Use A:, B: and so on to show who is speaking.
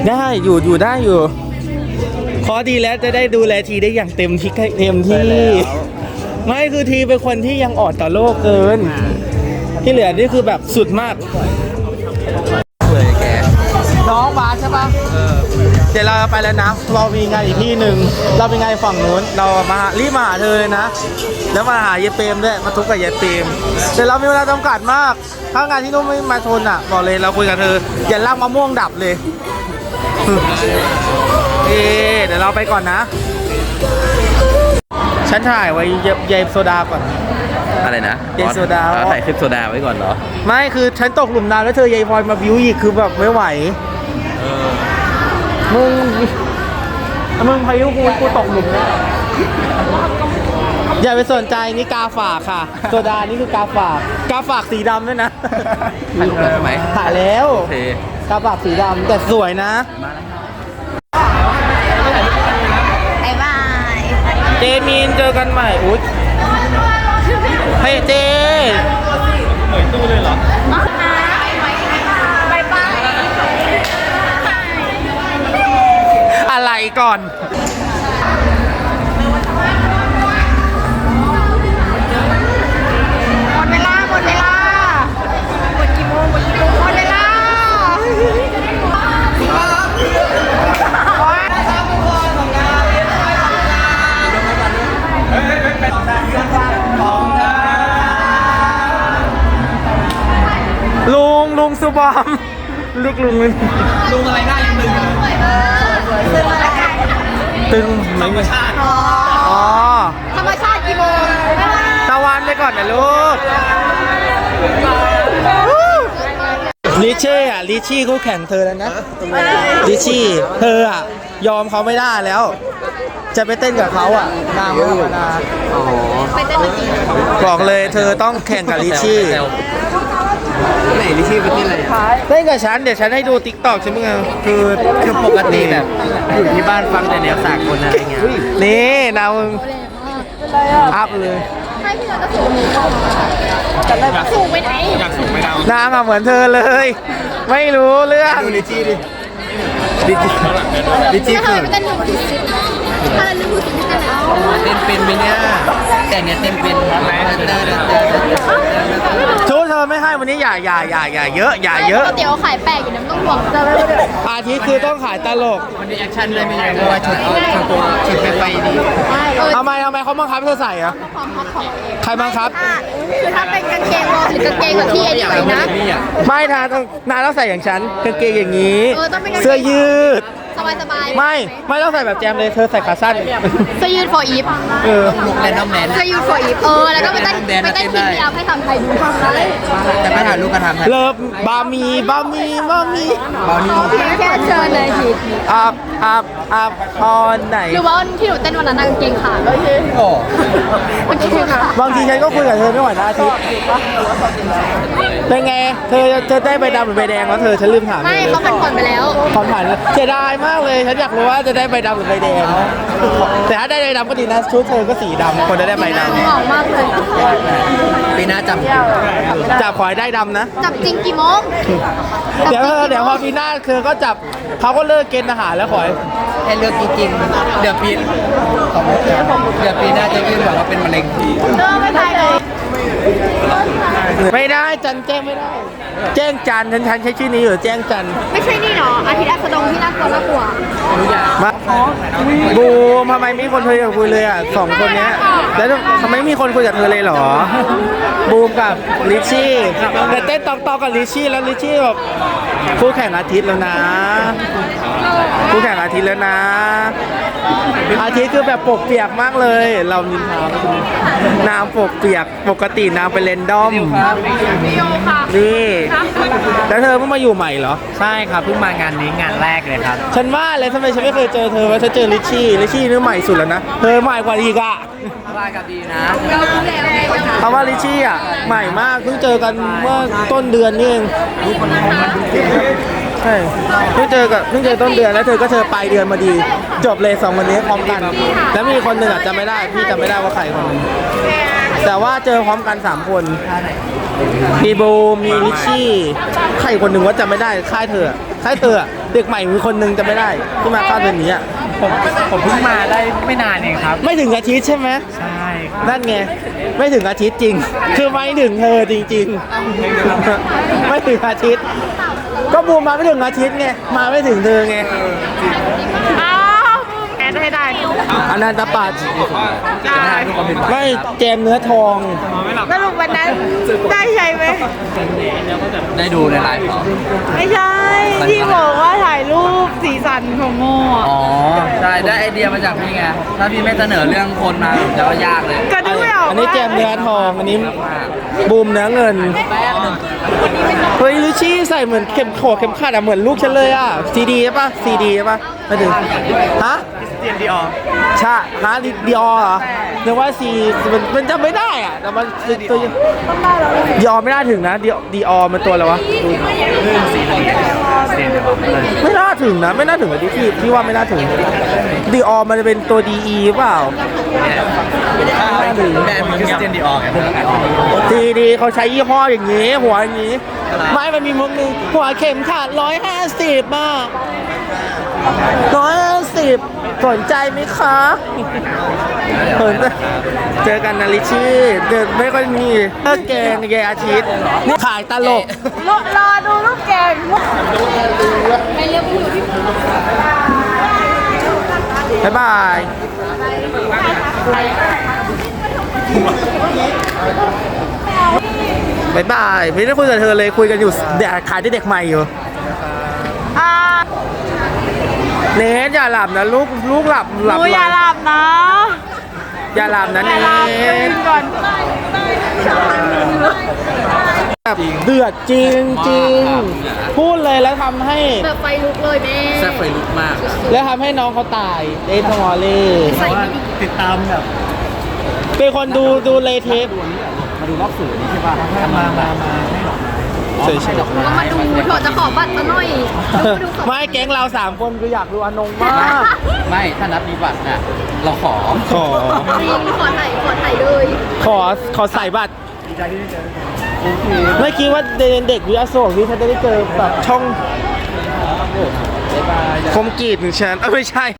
A: ได้อยู่ได้อยู่ขอดีแล้วจะได้ดูแลทีได้อย่างเต็มที่ไม่คือทีเป็นคนที่ยังอ่อนต่อโลกเกินที่เหลือนี่คือแบบสุดมาก
B: เลยแก
A: น้องบาสใช่ปะเดี๋ยวเราไปแล้วนะเรามีงานอีกที่หนึ่งเราเป็นงานฝั่งนู้นเรามารีบมาหาเธอเลยนะแล้วมาหายายเปรมด้วยมาทุกกับยายเปรมแต่เรามีเวลาจำกัดมากถ้างานที่นู้นไม่มาชนอ่ะบอกเลยเราคุยกับเธออย่าลากมะม่วงดับเลยเดี๋ยวเราไปก่อนนะฉันถ่ายไว้ยายโซดาก่อน
B: อะไรนะ
A: ยายโซดา
B: ถ่ายคลิปโซดาไว้ก่อนเหรอ
A: ไม่คือฉันตกหลุมน้ำแล้วเธอยายพลอยมาบิวอีกคือแบบไม่ไหวมึงพายุกูตกหลุมนะอย่าไปสนใจนี่กาฝากค่ะโซดานี่คือกาฝากสีดำด้วยนะ
B: ถ่ายรูปแล้วใช่ไหม
A: ถ่ายแล้ว
B: โอเค
A: กาฝากสีดำแต่สวยนะ
C: บ๊ายบาย
A: เจมีนเจอกันใหม่อุ๊ยเฮ้ยเจเหมือนตู้เลยเหรอ
C: บ๊ายบาย
A: อะไรก่อน
C: หมดเวลาหมดกี่โมงหมดเวลา
A: ลุงสุบอมลูกลุง
B: อะไรได้ยัง
A: ตึงธรรมชาติอ๋อ
C: ธรรมชาติกี่โมง
A: ตะวันไปก่อนนะลูกลิเช่อะลิชี่เขาแข่งเธอแล้วนะลิชี่เธออะยอมเขาไม่ได้แล้วจะไปเต้นกับเขาอะนางไม่ธรรมดา
C: ไปเต้นกับกี่
A: บอกเลยเธอต้องแข่งกับลิชี่
B: ไหนลิชี่เป็นที่อะไร
A: เต้นกับฉันเดี๋ยวฉันให้ดูติ๊กต็อกใช่ไหม
B: คือปกติแบบอยู่ที่บ้านฟังแต่แนวสากลอะไรเงี้ย
A: นี่นามึงอัพเลย
C: ให้พี่เราก็สูงสูงไปไหน
B: อยากสูงไปดาวน
A: างอะเหมือนเธอเลยไม่รู้เรื่อง
B: ดูลิชี่ดิลิชี่
C: คือเต้นหนึ่งทีอะไรหนึ่งทีที่จะเอา
B: เต้นเป็นไหมเนี่ยแต่เนี่ยเต้นเป็น
A: ชูเธอไม่ให้วันนี้อย่าเยอะอย่าเยอะ
C: เดี๋ยวขายแปลกอยู่น้ำต้องห่วงจะไม่ได้
A: อาทิตย์คือต้องขายตลก
B: วันนี้แอคชั่นเลยไม่ใช่เพราะว่าชุดตัวชุดไปดี
A: ทำไมเขาบังคับเธอใส่อะใครบังคับ
C: คือถ้าเป็นกางเกงวอร์มหรือกางเกงแบบที่ไอ้นี่ไปนะ
A: ไม่นานต้องใส่อย่างฉันกางเกงอย่างนี้เสื้อยืด
C: สบาย
A: ไม่ต้องใส่แบบแจมเลยเธอใส่ขาสั้น
C: เสื้อยืด for if
B: แรนดอมแมน
C: เสื้อยืด for if แล้วก็ไปเต้นทีมที่เอาให้ทำไทยดูทำได้
B: แต่ไม่ถ่ายรูปกันทำ
A: เลิฟบามี
C: แค่เชิญเลยที
A: อัพพรไหน
C: หรือว่าที่หนูเต้นวันนั้นกางเกงขาด
B: โอ้
A: บางทีฉันก็คุยกับเธอไม่ไหวนะอาทิตย์เป็นไงเธอได้ใบดำหรือใบแดงแล้วเธอฉันลืมถาม
C: ไม่เขาผ่อนไปแล้ว
A: ผ่อนเสียดายมากเลยฉันอยากรู้ว่าจะได้ใบดำหรือใบแดงแต่ถ้าได้ใบดำก็ดีนะชุดเธอก็สีดำคนได้ใบดำ
C: หอมมากเลย
B: ปีหน้า
A: จับขอให้ได้ดำนะ
C: จับจริงกี่โมง
A: เดี๋ยวพอปีหน้าเธอก็จับเขาก็เลิกเกณฑ์ทหารแล้วขอ
B: ให้เลือกจริงๆเดี๋ยวปีหน้าจะยื่นบอกว่าเป็นมะเร็ง
C: ไม่ได้เลย
A: ไม่ได้จันแจ้งไม่ได้แจ้งจันฉันใช้ชื่อนี้อยู่แจ้งจัน
C: ไม่ใช่นี่หรออาทิตย์อัสดงที่น่ากลัว
A: มาบูมทำไมไม่มีคนคุยกับคุยเลยอ่ะสองคนเนี้ยแล้วทำไมไม่มีคนคุยกับเธอเลยหรอบูมกับลิชี่แต่เต้นตอกกับลิชี่แล้วลิชี่แบบคู่แข่งอาทิตย์แล้วนะคู่แข่งอาทิตย์แล้วนะอาทิตย์คือแบบปกเปียกมากเลยเรานินทาน้ำปกเปียกปกติน้ำเป็นเรนดอมนี่แล้วเธอเพิ่งมาอยู่ใหม่เหรอ
B: ใช่ครับเพิ่งมางานนี้งานแรกเลยครับ
A: ฉันว่าเลยทำไมฉันไม่เคยเจอเธอว่าฉันเจอลิชี่นี่ใหม่สุดแล้วนะเธอใหม่กว่าอีกอะ
B: ว่ากับดีนะ
A: เพราะว่าลิชี่อะใหม่มากเพิ่งเจอกันเมื่อต้นเดือนนี่เองใช่เพิ่งเจอต้นเดือนแล้วเธอก็เจอปลายเดือนมาดีจบเลย2วันนี้พร้อมกันแล้วมีคนหนึ่งอาจจะไม่ได้พี่จำไม่ได้ว่าใครคนนึงแต่ว่าเจอพร้อมกัน3คนมีโบมีลิชชี่ใครคนหนึ่งว่าจำไม่ได้ค่ายเธอเด็กใหม่มีคนหนึ่งจำไม่ได้ที่มาค่ายเดือนนี้อะ
B: ผมเพิ่งมาได้ไม่นานเองครับ
A: ไม่ถึงอาทิตย์ใช่ไหม
B: ใช่ครับ
A: นั่นไงไม่ถึงอาทิตย์จริง คือไม่ถึงเธอจริงๆ ไม่ถึงอาทิตย์ ก็บูมมาไม่ถึงอาทิตย์ไงมาไม่ถึงเธอไง
C: อ้าวแอนให้ได้
A: อนันตปัจ
C: ได้
A: ไม่เจมเนื้อทอง
C: สรุปวันนั้นได้ใช่ไหม
B: ได้ดูในไลฟ์เหรอ
C: ไม่ใช่ ที่บอกว่าถ่ายรูปสีสันของโม่อะ
B: อ๋อใช่ได้ไอเดียมาจากพี่ไงถ้าพี่ไม่เสนอเรื่องคนมาจะก็ยากเลย
C: ก็นึกไม่ออก
A: อันนี้
C: ว่า
A: เจมเนื้อทองอันนี้บูมเนื้อเงินเฮ้ยลิชชี่ใส่เหมือนเข็มขัดอะเหมือนลูกฉันเลยอะซีดีใช่ปะซีดีใช่ปะไม่ถึงฮะ
B: เตียนดีออ
A: ใช่ฮะดีออเหรอนึกว่าซีมันจำไม่ได้อะแต่มันตัวดีออไม่น่าถึงนะดีออมันตัวอะไรวะไม่น่าถึงนะไม่น่าถึงอะที่ว่าไม่น่าถึงดีออมันจะเป็นตัวดีอีเปล่า
B: แบรนด์คริสเตียนดีออไง
A: ดีเขาใช้ยี่ห้ออย่างนี้ หัวอย่างนี้ ไม่มันมีมุกนึงหัวเข็มขัด150อ่ะ150สนใจไหมคะสนใจเจอกันนะลิชชี่เดินไม่ค่อยมีเลิกแกงเยอาทิตย์นี่ขายตลก
C: รอดูลูกแกง
A: บ๊ายบายบ๊ายบายไม่ได้คุยกับเธอเลยคุยกันอยู่เด็กขายที่เด็กใหม่อยู่
C: อ่า
A: เนทอย่าหลับนะลูกหลับ
C: หนูอย่าหลับนะ
A: อย่าหลับนะ
C: อ
A: เน
C: ย่าหลับตื่น
A: ท
C: ก่อน
A: แบบเดือดจริงพูดเลยแล้วทำให้
C: แบบไฟลุกเลยแม่
B: แซ่บไฟลุกมาก
A: แล้วทำให้น้องเขาตายเอทมอลเล่
B: ติดตามแบบ
A: เป็นคนดูเลยเทป
B: มาดูรอบสื่อนี่ใช่ป่ะมา
A: เฉ
B: ให้
A: ย
C: ก็มาดูเถอะจะขอบัตรซะหน่อยดู
A: ๆไม่แก๊งเรา3 คนคืออยากดูอนงมาก
B: ไม่ถ้านัดมีบัตรน่ะเราขอ
A: ขอ
C: จริงขอถ่ายเลย
A: ขอใส่บัตรไม่คิดว่าเด็กวิทยาโศกที่ฉันจะได้เจอแบบช่องคมกรีดหนึ่งชั้นไม่ใช่